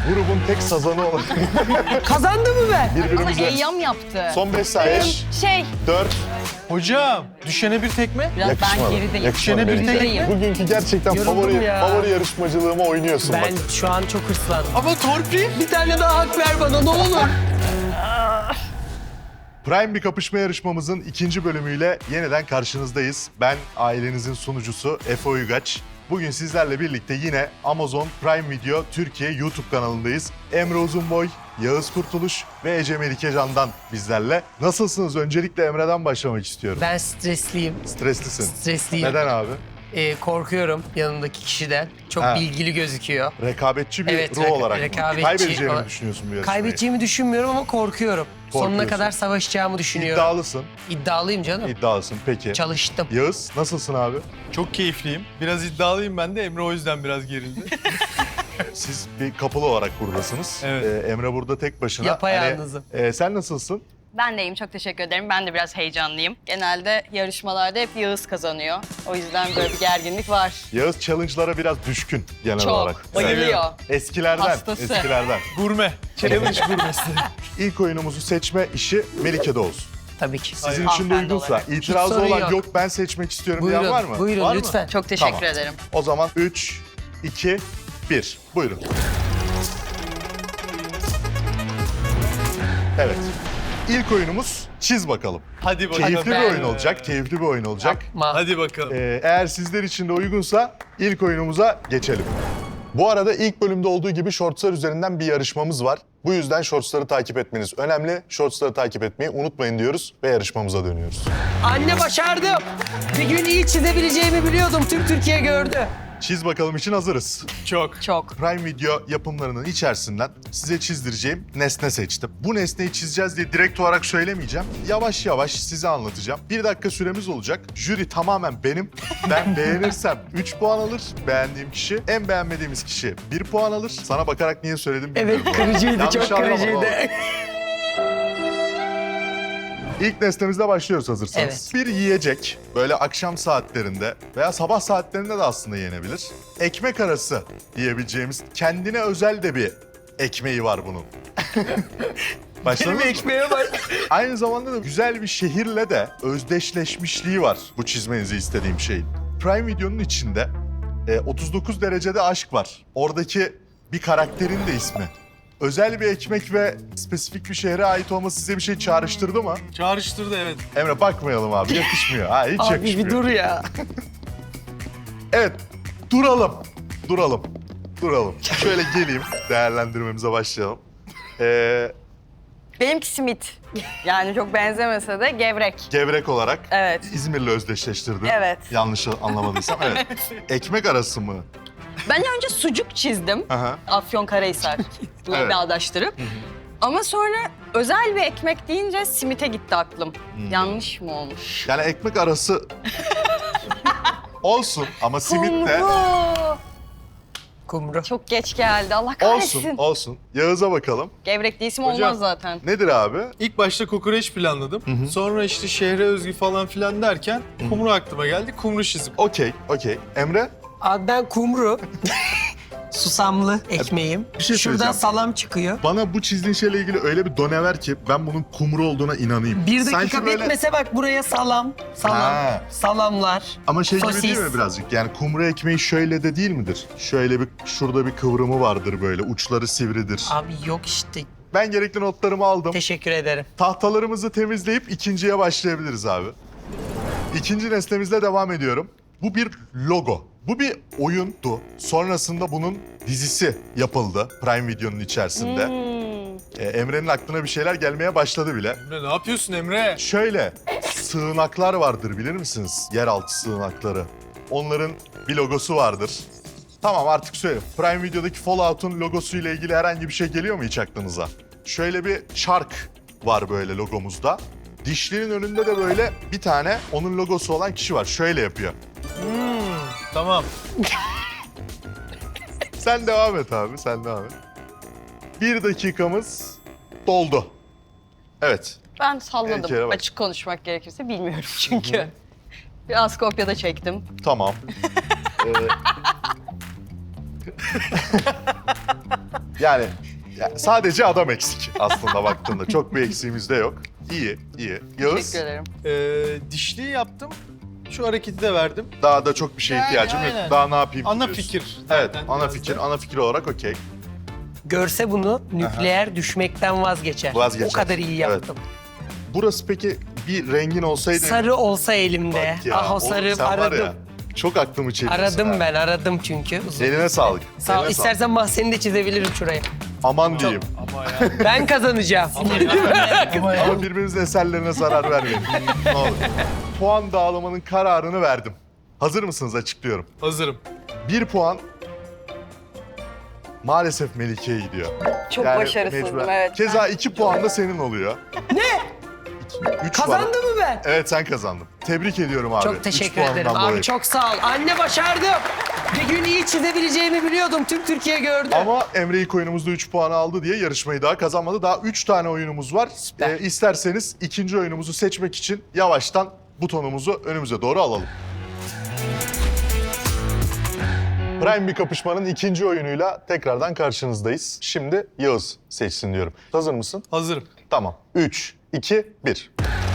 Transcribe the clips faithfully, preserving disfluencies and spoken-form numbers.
grubun tek sazanı olarak Kazandı mı be? Ama birbirimize... Eyyam yaptı. Son beş saniye. Şey, dört. Hocam düşene bir tekme. biraz ben Yakışmadı. gerideyim. Yakışmadı Düşene bir Melike. tek- Bugünkü gerçekten Yoruldum favori, ya. favori yarışmacılığıma oynuyorsun Ben bak. şu an çok hırslandım. Ama torpil. Bir tane daha hak ver bana ne olur. Prime bir kapışma yarışmamızın ikinci bölümüyle yeniden karşınızdayız. Ben ailenizin sunucusu Efe Uygaç. Bugün sizlerle birlikte yine Amazon Prime Video Türkiye YouTube kanalındayız. Emre Uzunboy, Yağız Kurtuluş ve Ece Melike Can'dan bizlerle. Nasılsınız? Öncelikle Emre'den başlamak istiyorum. Ben stresliyim. Streslisin. Stresliyim. Neden abi? Ee, korkuyorum yanımdaki kişiden. Çok Ha. bilgili gözüküyor. Rekabetçi bir Evet, ruh reka- olarak mı? rekabetçi Kaybedeceğini olarak- mi düşünüyorsun bu yarışmayı? Kaybedeceğimi düşünmüyorum ama korkuyorum. Sonuna Korkuyorsun. kadar savaşacağımı düşünüyorum. İddialısın. İddialıyım canım. İddialısın. Peki. Çalıştım. Yağız nasılsın abi? Çok keyifliyim. Biraz iddialıyım ben de. Emre o yüzden biraz gerildi. Siz bir kapılı olarak buradasınız. Evet. Ee, Emre burada tek başına. Yapayalnızım. Hani, e, sen nasılsın? Ben de iyiyim, çok teşekkür ederim. Ben de biraz heyecanlıyım. Genelde yarışmalarda hep Yağız kazanıyor. O yüzden böyle bir gerginlik var. Yağız challenge'lara biraz düşkün genel Çok, olarak. bayılıyor. Eskilerden, Hastası. eskilerden. Gurme. Challenge gurmesi. İlk oyunumuzu seçme işi Melike'de olsun. Tabii ki. Sizin Hayır. için de Hanımefendi uygunsa, olarak. itirazı Hiç sorun olan yok. yok. Ben seçmek istiyorum Buyurun, diyen var mı? buyurun Var mı? lütfen. Çok teşekkür Tamam. ederim. O zaman üç, iki, bir. Buyurun. Evet. İlk oyunumuz çiz bakalım. Hadi bakalım. Keyifli bir ben- oyun olacak, keyifli bir oyun olacak. Ma- Hadi bakalım. Ee, eğer sizler için de uygunsa ilk oyunumuza geçelim. Bu arada ilk bölümde olduğu gibi Shortslar üzerinden bir yarışmamız var. Bu yüzden Shortsları takip etmeniz önemli. Shortsları takip etmeyi unutmayın diyoruz ve yarışmamıza dönüyoruz. Anne başardım. Bir gün iyi çizebileceğimi biliyordum. Tüm Türkiye gördü. Çiz bakalım için hazırız. Çok. Çok. Prime Video yapımlarının içerisinden size çizdireceğim nesne seçtim. Bu nesneyi çizeceğiz diye direkt olarak söylemeyeceğim. Yavaş yavaş size anlatacağım. Bir dakika süremiz olacak. Jüri tamamen benim. Ben beğenirsem üç puan alır. Beğendiğim kişi. En beğenmediğimiz kişi bir puan alır. Sana bakarak niye söyledim bilmiyorum. Evet bu arada. kırıcıydı, Yanlış çok anlama, kırıcıydı. oğlum. İlk nesnemizle başlıyoruz hazırsanız. Evet. Bir yiyecek böyle akşam saatlerinde veya sabah saatlerinde de aslında yenebilir. Ekmek arası diyebileceğimiz kendine özel de bir ekmeği var bunun. Başladınız Benim mı? ekmeğe bak. Aynı zamanda da güzel bir şehirle de özdeşleşmişliği var bu çizmenizi istediğim şeyin. Prime Video'nun içinde e, otuz dokuz derecede aşk var. Oradaki bir karakterin de ismi. Özel bir ekmek ve spesifik bir şehre ait olması size bir şey çağrıştırdı mı? Çağrıştırdı evet. Emre bakmayalım abi, yakışmıyor. Ha, hiç Abi yakışmıyor. bir dur ya. Evet, duralım. Duralım. Duralım. Şöyle geleyim, değerlendirmemize başlayalım. Ee, Benimki simit. Yani çok benzemese de gevrek. gevrek olarak Evet. İzmir'le özdeşleştirdim. Evet. Yanlış anlamadıysam. Evet. Ekmek arası mı? Ben önce sucuk çizdim. Aha. Afyonkarahisar diye Evet. bağdaştırıp. Ama sonra özel bir ekmek deyince simite gitti aklım. Hmm. Yanlış mı olmuş? Yani ekmek arası olsun ama simit de Kumru. Kumru. Çok geç geldi. Allah olsun, kahretsin. olsun. Yağız'a bakalım. Gevrek değilsim Hocam. olmaz zaten. Nedir abi? İlk başta kokoreç planladım. Sonra işte şehre özgü falan filan derken kumru aklıma geldi. Kumru çizim. Okey, okey. Emre? Abi ben kumru. Susamlı ekmeğim. Bir şey Şuradan söyleyeceğim. salam çıkıyor. Bana bu çizdiğin şeyle ilgili öyle bir done ver ki ben bunun kumru olduğuna inanayım. Bir dakika Sanki böyle- bitmese bak buraya salam, salam, Ha. salamlar, Ama şey gibi sosis. değil mi birazcık? Yani kumru ekmeği şöyle de değil midir? Şöyle bir, şurada bir kıvrımı vardır böyle, uçları sivridir. Abi yok işte. Ben gerekli notlarımı aldım. Teşekkür ederim. Tahtalarımızı temizleyip ikinciye başlayabiliriz abi. İkinci nesnemizle devam ediyorum. Bu bir logo. Bu bir oyundu. Sonrasında bunun dizisi yapıldı Prime Video'nun içerisinde. Hmm. Ee, Emre'nin aklına bir şeyler gelmeye başladı bile. Emre ne yapıyorsun Emre? Şöyle, sığınaklar vardır bilir misiniz? Yeraltı sığınakları. Onların bir logosu vardır. Tamam artık söyle. Prime Video'daki Fallout'un logosuyla ilgili herhangi bir şey geliyor mu hiç aklınıza? Şöyle bir çark var böyle logomuzda. Dişlerin önünde de böyle bir tane onun logosu olan kişi var. Şöyle yapıyor. Hmm, tamam. Sen devam et abi, sen devam et. Bir dakikamız doldu. Evet. Ben Tehlikeye salladım. bak. Açık konuşmak gerekirse bilmiyorum çünkü. Biraz kopyada çektim. Tamam. Ee, Yani, yani sadece adam eksik aslında baktığında. Çok bir eksiğimiz de yok. İyi, iyi. Yağız, Teşekkür ederim. Ee, dişliği yaptım. Şu hareketi de verdim. daha da çok bir şeye Yani ihtiyacım yok. aynen. Daha ne yapayım Ana diyorsun. fikir. Evet, zaten ana biraz fikir. da. Ana fikir olarak okey. Görse bunu nükleer düşmekten vazgeçer. Vazgeçer. O kadar iyi yaptım. Burası peki bir rengin olsaydı... Sarı olsa elimde. Bak ya, ah o oğlum sarı sen var aradım. ya, çok aklımı çeliyorsun. Aradım ha. ben, aradım çünkü. Uzun. Eline sağlık. Sağ ol. Eline İstersen mahzeni de çizebilirim şuraya. sağlık. Aman diyeyim. Ama ya. Ben kazanacağım. Ama birbirimizin eserlerine zarar vermeyin. Ne olur. Puan dağılımının kararını verdim. Hazır mısınız? Açıklıyorum. Hazırım. Bir puan maalesef Melike'ye gidiyor. Çok Yani başarısızdım, mecburen. evet. Keza iki puan da senin oluyor. Ne? Üç var. Kazandı mı ben? Evet, sen kazandın. Tebrik ediyorum abi. Çok Üç teşekkür puandan ederim. Abi dolayı. çok sağ ol. Anne başardım. Bir gün iyi çizebileceğimi biliyordum. Tüm Türkiye gördü. Ama Emre ilk oyunumuzda üç puan aldı diye yarışmayı daha kazanmadı. Daha üç tane oyunumuz var. Süper. Ee, isterseniz ikinci oyunumuzu seçmek için yavaştan butonumuzu önümüze doğru alalım. Prime bir kapışmanın ikinci oyunuyla tekrardan karşınızdayız. Şimdi Yağız seçsin diyorum. Hazır mısın? Hazırım. Tamam. üç, iki, bir.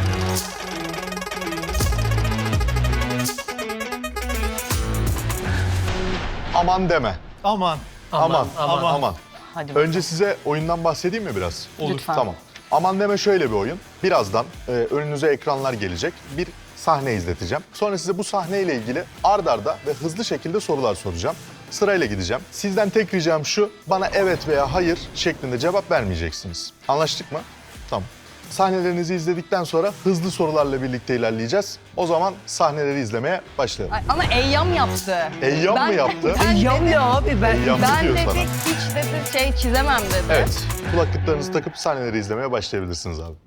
Aman deme. Aman. Aman, aman, aman. aman. Hadi bakalım. Önce size oyundan bahsedeyim mi biraz? Olur. Lütfen. Tamam. Aman deme şöyle bir oyun. Birazdan e, önünüze ekranlar gelecek. Bir sahne izleteceğim. Sonra size bu sahneyle ilgili ard arda ve hızlı şekilde sorular soracağım. Sırayla gideceğim. Sizden tek ricam şu, bana evet veya hayır şeklinde cevap vermeyeceksiniz. Anlaştık mı? Tamam. Sahnelerinizi izledikten sonra hızlı sorularla birlikte ilerleyeceğiz. O zaman sahneleri izlemeye başlayalım. Ay, ama Eyyam yaptı. Eyyam Ben- mı yaptı? Ben Yam dedi- ya abi ben. Eyyam Ben diyor dedi sana. hiç dedi şey çizemem dedi. Evet. Kulaklıklarınızı takıp sahneleri izlemeye başlayabilirsiniz abi.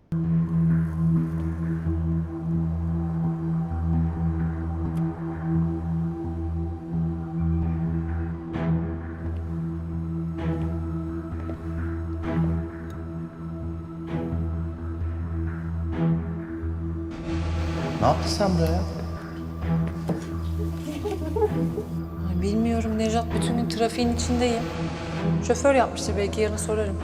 Ne yaptın sen buraya? Ay bilmiyorum Nejat, bütün gün trafiğin içindeyim. Şoför yapmıştır, belki yarın sorarım.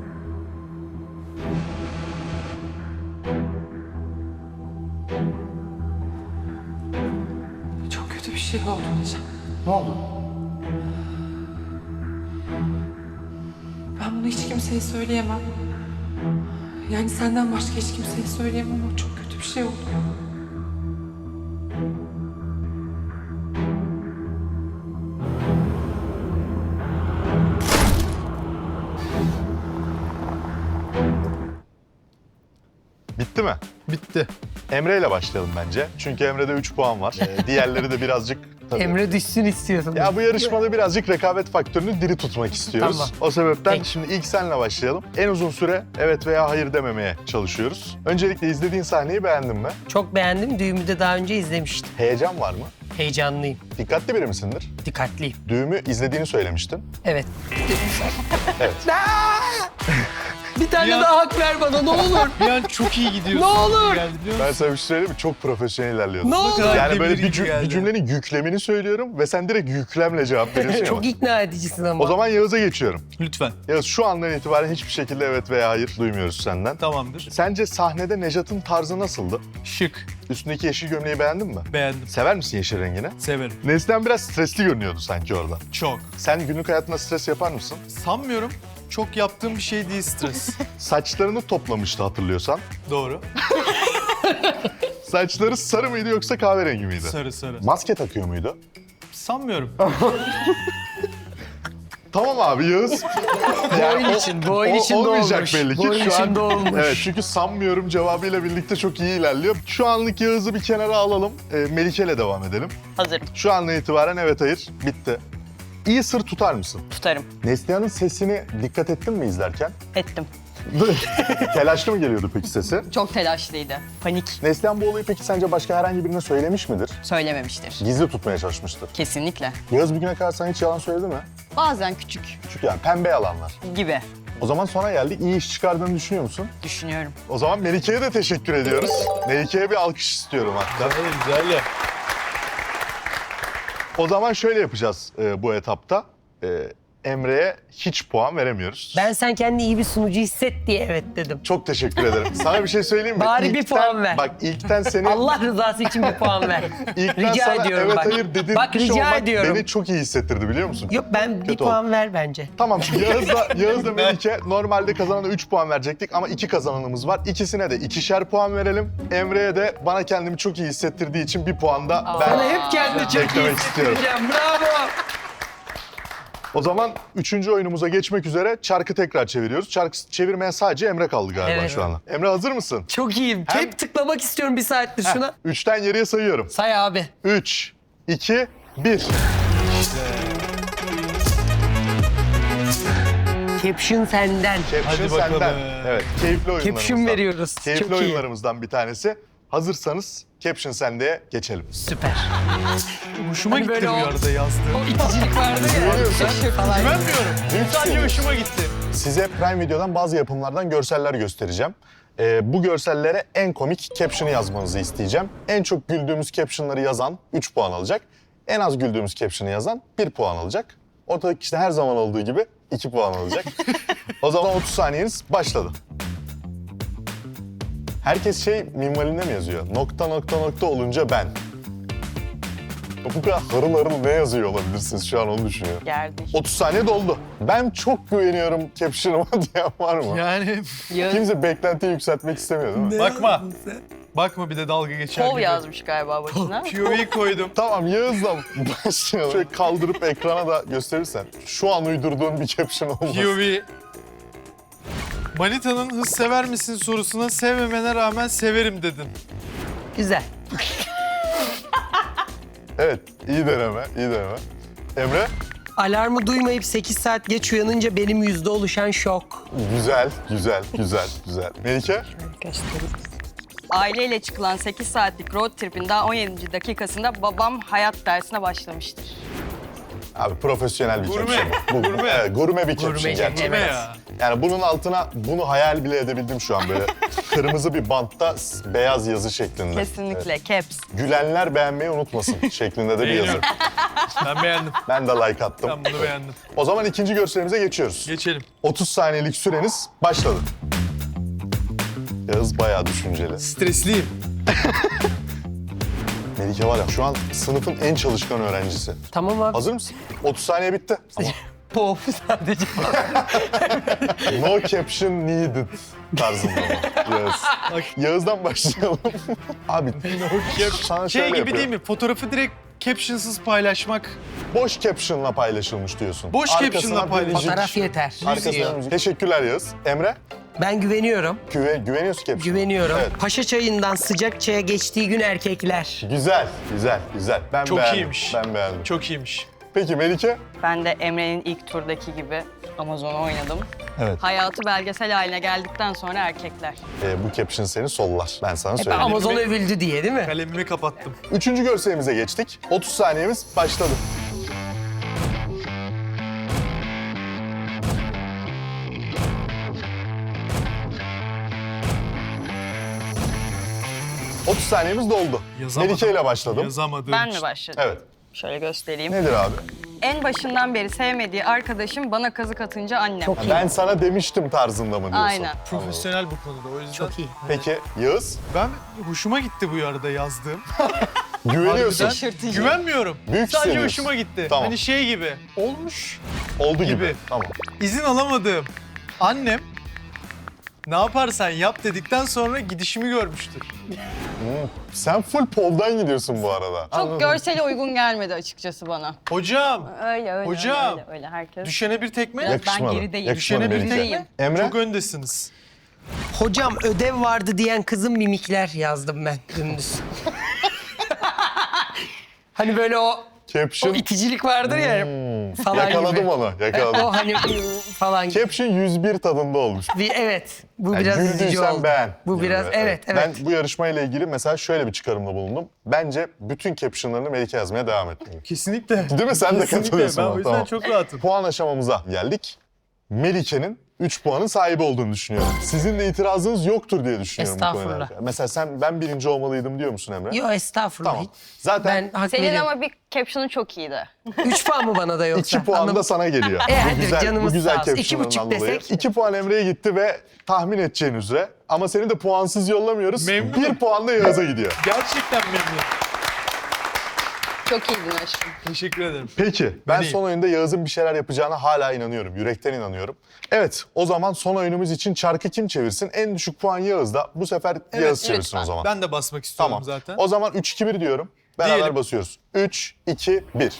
Çok kötü bir şey oldu Nejat. Ne oldu? Ben bunu hiç kimseye söyleyemem. Yani senden başka hiç kimseye söyleyemem ama çok kötü bir şey oldu. Bitti mi? Bitti. Emre ile başlayalım bence. Çünkü Emre'de üç puan var. Ee, diğerleri de birazcık... tabii. Emre düşsün istiyordum. Ya bu yarışmada birazcık rekabet faktörünü diri tutmak istiyoruz. Tamam. O sebepten Peki. şimdi ilk senle başlayalım. En uzun süre evet veya hayır dememeye çalışıyoruz. Öncelikle izlediğin sahneyi beğendin mi? Çok beğendim. Düğümü de daha önce izlemiştim. Heyecan var mı? Heyecanlıyım. Dikkatli biri misindir? Dikkatliyim. Düğümü izlediğini söylemiştin. Evet. Evet. Bir tane Ya. daha hak ver bana ne olur. Bir an çok iyi gidiyorsun. Ne olur. Geldi biliyor Ben musun? sana bir şey söyleyeyim mi? Çok profesyonel ilerliyordun. Ne olur. kadar Yani böyle bir, demirici cüm- geldi. bir cümlenin yüklemini söylüyorum ve sen direkt yüklemle cevap veriyorsun. Çok ama. ikna edicisin ama. O zaman Yağız'a geçiyorum. Lütfen. Yağız şu andan itibaren hiçbir şekilde evet veya hayır duymuyoruz senden. Tamamdır. Sence sahnede Nejat'ın tarzı nasıldı? Şık. Üstündeki yeşil gömleği beğendin mi? Beğendim. Sever misin yeşil rengini? Severim. Neslihan biraz stresli görünüyordu sanki orada. Çok. Sen günlük hayatında stres yapar mısın? Sanmıyorum. Çok yaptığım bir şey değil stres. Saçlarını toplamıştı hatırlıyorsan. Doğru. Saçları sarı mıydı yoksa kahverengi miydi? Sarı sarı. Maske takıyor muydu? Sanmıyorum. Tamam abi Yağız. oyun için, bu oyun o- için olmayacak olmuş. belli ki. Bu oyun Şu an- için olmuş. Evet çünkü sanmıyorum cevabıyla birlikte çok iyi ilerliyor. Şu anlık Yağız'ı bir kenara alalım. Ee, Melike'yle devam edelim. Hazırım. Şu andan itibaren evet hayır bitti. İyi sır tutar mısın? Tutarım. Neslihan'ın sesini dikkat ettin mi izlerken? Ettim. Telaşlı mı geliyordu peki sesi? Çok telaşlıydı. Panik. Neslihan bu olayı peki sence başka herhangi birine söylemiş midir? Söylememiştir. Gizli tutmaya çalışmıştır. Kesinlikle. Yağız bugüne kadar sana hiç yalan söyledi mi? Bazen küçük Çünkü yani pembe yalanlar. gibi O zaman sonra geldik. İyi iş çıkardığını düşünüyor musun? düşünüyorum. O zaman Melike'ye de teşekkür ediyoruz. Melike'ye bir alkış istiyorum hatta. Güzel, güzel ya. O zaman şöyle yapacağız e, bu etapta. E, Emre'ye hiç puan veremiyoruz. Ben sen kendini iyi bir sunucu hisset diye evet dedim. Çok teşekkür ederim. Sana bir şey söyleyeyim mi? Bari bir İlkten- puan ver. Bak ilkten seni... Allah rızası için bir puan ver. İlkten Rica sana ediyorum evet bak. hayır dedirtmiş Bak rica olmak ediyorum. beni çok iyi hissettirdi biliyor musun? Yok ben bir Kötü puan ver bence. Tamam Yağız'la, Yağız'la Melike normalde kazanana üç puan verecektik ama iki kazananımız var. İkisine de ikişer puan verelim. Emre'ye de bana kendimi çok iyi hissettirdiği için bir puan da ben Sana hep kendi çok iyi beklemek istiyorum. hissettireceğim. Bravo. O zaman üçüncü oyunumuza geçmek üzere çarkı tekrar çeviriyoruz. Çarkı çevirmeye sadece Emre kaldı galiba Evet. şu anda. Emre hazır mısın? Çok iyiyim. Hem- Hep tıklamak istiyorum bir saattir şuna. Üçten geriye sayıyorum. Say abi. Üç, iki, bir. Caption senden. Caption Hadi bakalım. senden. Evet, keyifli oyunlarımızdan. Caption veriyoruz. Keyifli Çok iyi. oyunlarımızdan bir tanesi. Hazırsanız Caption sendeye geçelim. Süper. Hoşuma Hani gitti böyle bu o- arada yazdığım. O iticilik vardı ya. Güveniyorsun. Şaşırt falan. Güvenmiyorum. Sadece hoşuma gitti. Size Prime Video'dan bazı yapımlardan görseller göstereceğim. Ee, bu görsellere en komik caption'ı yazmanızı isteyeceğim. En çok güldüğümüz caption'ları yazan üç puan alacak. En az güldüğümüz caption'ı yazan bir puan alacak. Ortadaki işte her zaman olduğu gibi iki puan alacak. O zaman otuz saniyeniz başladı. Herkes şey minvalinde mi yazıyor? Nokta nokta nokta olunca ben. Bu kadar harıl harıl ne yazıyor olabilirsiniz şu an onu düşünüyorum. Geldi. otuz saniye doldu. Ben çok güveniyorum caption'ıma diyen var mı? Yani Yağız Kimse beklentiyi yükseltmek istemiyor değil mi? bakma. Bakma bir de dalga geçer Kov gibi. yazmış galiba başına. P O V koydum. Tamam Yağız'la başlayalım. Şöyle kaldırıp ekrana da gösterirsen. Şu an uydurduğun bir caption olmaz. P O V. Manita'nın hız sever misin sorusuna sevmemene rağmen severim dedin. Güzel. Evet, iyi deneme, iyi deneme. Emre, Alarmı duymayıp sekiz saat geç uyanınca benim yüzde oluşan şok. güzel, güzel, güzel, güzel. Melike, Aileyle çıkılan sekiz saatlik road trip'in daha on yedinci dakikasında babam hayat dersine başlamıştır. abi profesyonel bir Gurme, caption bu. bu. gurme. Evet, gurme bir caption Gurme, gerçekten. Kime ya? Yani bunun altına, bunu hayal bile edebildim şu an böyle. Kırmızı bir bantta s- beyaz yazı şeklinde. Kesinlikle. Caps. Gülenler beğenmeyi unutmasın şeklinde de bir yazı. Beğeniyorum. Ben beğendim. Ben de like attım. Ben bunu beğendim. O zaman ikinci görselimize geçiyoruz. Geçelim. otuz saniyelik süreniz başladı. Yağız bayağı düşünceli. Stresliyim. Melike var ya şu an sınıfın en çalışkan öğrencisi. Tamam abi. Hazır mısın? otuz saniye bitti. Ama Pop sadece. no caption needed tarzında mı? Yağız. Yağız'dan başlayalım. Abi sana Şey şöyle gibi yapıyorum. değil mi? Fotoğrafı direkt captionsız paylaşmak. Boş caption'la paylaşılmış diyorsun. Boş Arkasına caption'la bir paylaş- müzik, Fotoğraf yeter. Arkasına müzik. Teşekkürler Yağız. Emre, Ben güveniyorum. güve, güveniyorsun caption'a. Güveniyorum. Evet. Paşa çayından sıcak çaya geçtiği gün erkekler. Güzel, güzel, güzel. Ben Çok beğendim. iyiymiş. Ben beğendim. Çok iyiymiş. Peki Melike? Ben de Emre'nin ilk turdaki gibi Amazon'u oynadım. Evet. Hayatı belgesel haline geldikten sonra erkekler. Ee, bu caption seni sollar. Ben sana söyleyeyim. Amazon övüldü diye değil mi? Kalemimi kapattım. Üçüncü görselimize geçtik. otuz saniyemiz başladı. otuz saniyemiz doldu. Yazamadım. Melike ile başladım. Yazamadığım Ben mi için. başladım? Evet. Şöyle göstereyim. Nedir abi? En başından beri sevmediği arkadaşım bana kazık atınca annem. Çok iyi. Ben sana demiştim tarzında mı diyorsun? Aynen. Profesyonel bu konuda o yüzden. Çok iyi. Peki Yağız? Ben hoşuma gitti bu arada yazdığım. Güveniyorsun. Harbiden Şaşırtıcı. Güvenmiyorum. Büyük Sadece hissediyorsun. hoşuma gitti. Tamam. Hani şey gibi olmuş. Oldu gibi. gibi. Tamam. İzin alamadığım annem ne yaparsan yap dedikten sonra gidişimi görmüştür. Sen full poldan gidiyorsun bu arada. Çok görsele uygun gelmedi açıkçası bana. Hocam Öyle öyle Hocam. öyle, öyle herkes. düşene bir tekme. Biraz Yakışmadı. ben gerideyim. Yakışmadı Düşene bir Melike. Gerideyim. Emre? Çok öndesiniz. Hocam ödev vardı diyen kızın mimikler yazdım ben dümdüz. Hani böyle o, o Caption. iticilik vardır ya falan Yakaladım gibi. onu. Yakaladım. O hani falan gibi. Caption yüz bir tadında olmuş. Bir, evet. Bu Yani biraz üzücü güldüysen oldu. beğen. Bu gibi. biraz evet evet. Ben bu yarışmayla ilgili mesela şöyle bir çıkarımda bulundum. Bence bütün captionlarını Melike yazmaya devam etmeli. Kesinlikle. Değil mi? Sen de Kesinlikle. katılıyorsun Ben ona, o yüzden tamam. çok rahatım. Puan aşamamıza geldik. Melike'nin üç puanın sahibi olduğunu düşünüyorum. Sizin de itirazınız yoktur diye düşünüyorum bu konuyla Estağfurullah. alakalı. Mesela sen ben birinci olmalıydım diyor musun Emre? Yo estağfurullah. Tamam. Zaten Ben hak Senin veriyorum. ama bir caption'ın çok iyiydi. Üç puan mı bana da yoksa? iki puan da Anlamadım. sana geliyor. E, hadi bu güzel, canımız bu güzel sağ olsun. İki caption'ından buçuk dolayı. desek. iki puan Emre'ye gitti ve tahmin edeceğin üzere. Ama seni de puansız yollamıyoruz. Memnunum. Bir puan da Yağız'a gidiyor. Gerçekten memnun. Çok iyiydin aşkım. Teşekkür ederim. Peki, ben Hani- son oyunda Yağız'ın bir şeyler yapacağına hala inanıyorum. Yürekten inanıyorum. Evet, o zaman son oyunumuz için çarkı kim çevirsin? En düşük puan Yağız'da. Bu sefer Yağız çevirsin lütfen. o zaman. Ben de basmak istiyorum Tamam. zaten. O zaman üç iki bir diyorum. Beraber Diyelim. basıyoruz. üç, iki, bir.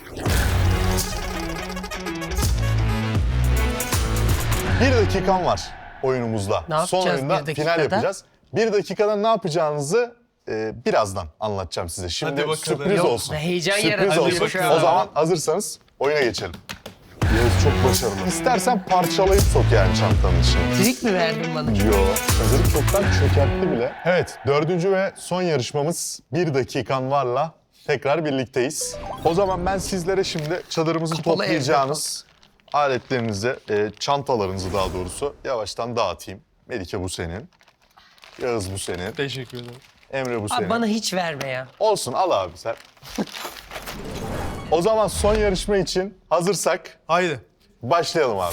Bir dakikan var oyunumuzda. Ne Son yapacağız oyunda bir dakikada? final yapacağız. Bir dakikada ne yapacağınızı e, birazdan anlatacağım size. Şimdi Hadi bakalım. sürpriz Yok, olsun. heyecan sürpriz yaratıyor olsun. şu an. O zaman hazırsanız oyuna geçelim. Yağız çok başarılı. İstersen parçalayıp sok yani çantanın içine. Trik mi verdin bana? Yo, hazırlık çoktan çökertti bile. Evet, dördüncü ve son yarışmamız bir dakikan varla tekrar birlikteyiz. O zaman ben sizlere şimdi çadırımızı Kapalı toplayacağınız aletlerinizi, e, çantalarınızı daha doğrusu yavaştan dağıtayım. Melike bu senin, Yağız bu senin, Teşekkür ederim. Emre bu senin. Abi bana hiç verme ya. Olsun, al abi sen. O zaman son yarışma için hazırsak Haydi. başlayalım abi.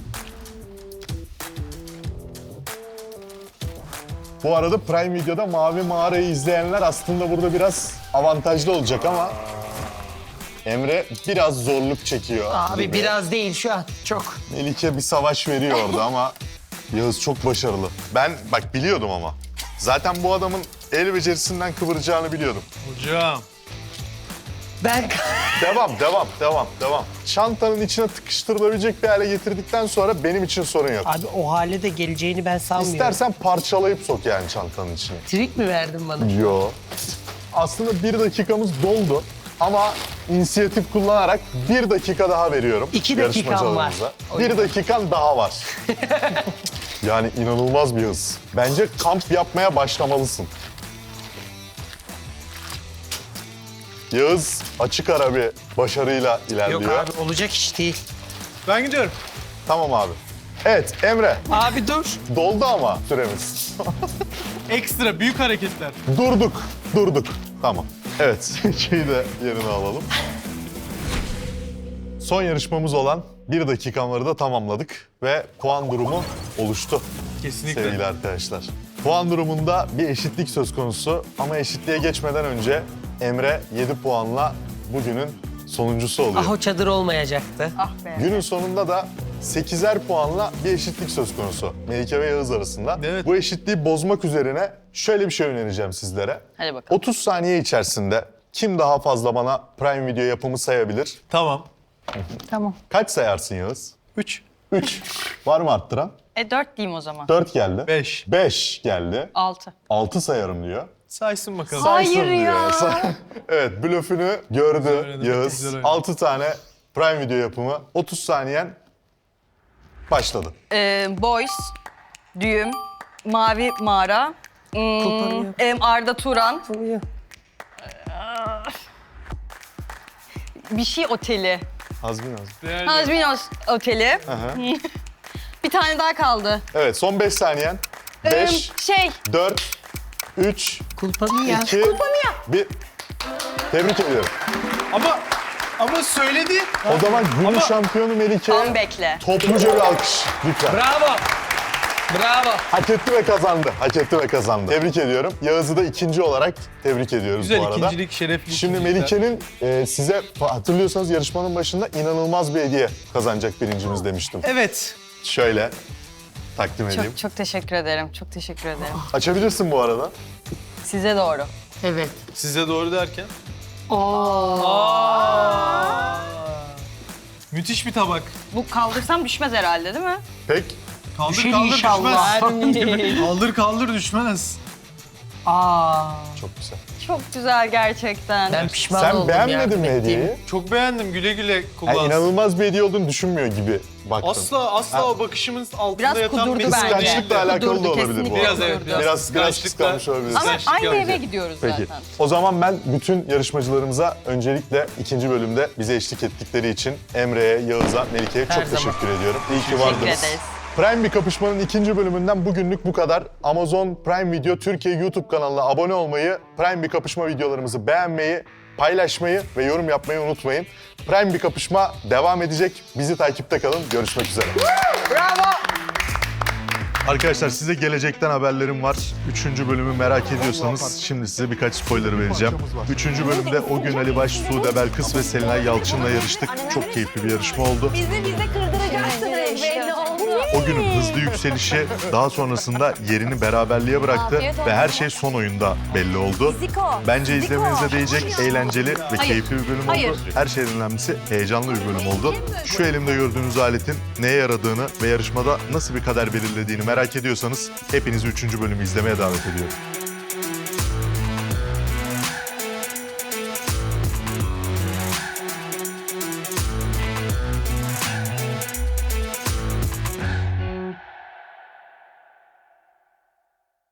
Bu arada Prime Video'da Mavi Mağara'yı izleyenler aslında burada biraz avantajlı olacak ama Emre biraz zorluk çekiyor. Abi gibi. biraz değil şu an. Çok. Melike bir savaş veriyor orada ama Yağız çok başarılı. Ben bak biliyordum ama. Zaten bu adamın el becerisinden kıvıracağını biliyordum. Hocam. Ben Devam, devam, devam, devam. Çantanın içine tıkıştırılabilecek bir hale getirdikten sonra benim için sorun yok. abi o hale de geleceğini ben sanmıyorum. İstersen parçalayıp sok yani çantanın içine. Trik mi verdin bana? Yo. Aslında bir dakikamız doldu ama inisiyatif kullanarak bir dakika daha veriyorum. İki dakikam yarışmacılarımıza. var. Bir dakikan daha var. Yani inanılmaz bir hız. Bence kamp yapmaya başlamalısın. Yağız açık ara bir başarıyla ilerliyor. Yok abi olacak iş değil. Ben gidiyorum. Tamam abi. Evet Emre, Abi dur. doldu ama süremiz. Ekstra büyük hareketler. Durduk, durduk. Tamam. Evet, şeyi de yerine alalım. Son yarışmamız olan bir dakikamları da tamamladık ve puan durumu oluştu Kesinlikle. sevgili arkadaşlar. Puan durumunda bir eşitlik söz konusu ama eşitliğe geçmeden önce Emre yedi puanla bugünün sonuncusu oluyor. Ah o çadır olmayacaktı. Ah be. Günün sonunda da sekizer puanla bir eşitlik söz konusu Melike ve Yağız arasında. Evet. Bu eşitliği bozmak üzerine şöyle bir şey önereceğim sizlere. Hadi bakalım. otuz saniye içerisinde kim daha fazla bana Prime Video yapımı sayabilir? Tamam. Tamam. Kaç sayarsın Yağız? Üç. üç. Var mı arttıran? E dört diyeyim o zaman. dört geldi. Beş. beş geldi. Altı. altı sayarım diyor. Saysın bakalım. Hayır Saysın ya. diyor. Evet, blöfünü gördü oynadı, Yağız. güzel oynadı. altı tane Prime Video yapımı. otuz saniyen başladı. Ee, Boys, Düğüm, Mavi Mağara, hmm, Koparıyor. em, Arda Turan, Oluyor. bir şey oteli. Hazbin Hazbin. Değerli. Hazbinos Oteli. Aha. Bir tane daha kaldı. Evet, son beş saniyen. Ee, beş, şey, dört, üç, Kulpanı ya. iki, bir. Tebrik ediyorum. Ama ama söyledi. O zaman günün Ama- şampiyonu Melike'ye Comeback'le. topluca bir alkış lütfen. Bravo. Bravo. Hak etti ve kazandı. Hak etti ve kazandı. Tebrik ediyorum. Yağız'ı da ikinci olarak tebrik ediyoruz Güzel bu arada. ikincilik, şerefli Şimdi ikincilikler. Melike'nin e, size hatırlıyorsanız yarışmanın başında inanılmaz bir hediye kazanacak birincimiz demiştim. Evet. Şöyle takdim edeyim. Çok çok teşekkür ederim. Çok teşekkür ederim. Açabilirsin bu arada. Size doğru. Evet. Size doğru derken. Müthiş bir tabak. Bu kaldırsam düşmez herhalde değil mi? Pek Kaldır Düşün kaldır inşallah. düşmez. Kaldır kaldır düşmez. Aa. çok güzel. Çok güzel gerçekten. Ben pişman Sen oldum beğenmedin yardım mi ettiğim. hediyeyi? Çok beğendim. Güle güle Yani kullansın. inanılmaz bir hediye olduğunu düşünmüyor gibi baktın. Asla asla o bakışımın altında Biraz yatan kudurdu bir bence. Kıskançlıkla alakalı da Kudurdu, olabilir bu kesinlikle arada. Biraz evet, biraz. Biraz, biraz Kıskançlıkla- kıskanmış olabilir. Ama Kıskançlık aynı yapacak. eve gidiyoruz Peki. zaten. O zaman ben bütün yarışmacılarımıza öncelikle ikinci bölümde bize eşlik ettikleri için Emre'ye, Yağız'a, Melike'ye Her çok zaman. teşekkür ediyorum. İyi ki Teşekkür vardınız. ederiz. Prime bir kapışmanın ikinci bölümünden bugünlük bu kadar. Amazon Prime Video Türkiye YouTube kanalına abone olmayı, Prime bir kapışma videolarımızı beğenmeyi, paylaşmayı ve yorum yapmayı unutmayın. Prime bir kapışma devam edecek. Bizi takipte kalın. Görüşmek üzere. Bravo. Arkadaşlar size gelecekten haberlerim var. Üçüncü bölümü merak ediyorsanız şimdi size birkaç spoiler vereceğim. Üçüncü bölümde o gün Ali Baş, Sude Belkıs ve Selinay Yalçın'la yarıştık. Çok keyifli bir yarışma oldu. Bizi bize kırdıracaksınız belli oldu. O günün hızlı yükselişi daha sonrasında yerini beraberliğe bıraktı ve her şey son oyunda belli oldu. Bence izlemenize değecek eğlenceli ve keyifli bir bölüm oldu. Her şeyden önemlisi heyecanlı bir bölüm oldu. Şu elimde gördüğünüz aletin neye yaradığını ve yarışmada nasıl bir kader belirlediğini merak ediyorsanız hepinizi üçüncü bölümü izlemeye davet ediyorum.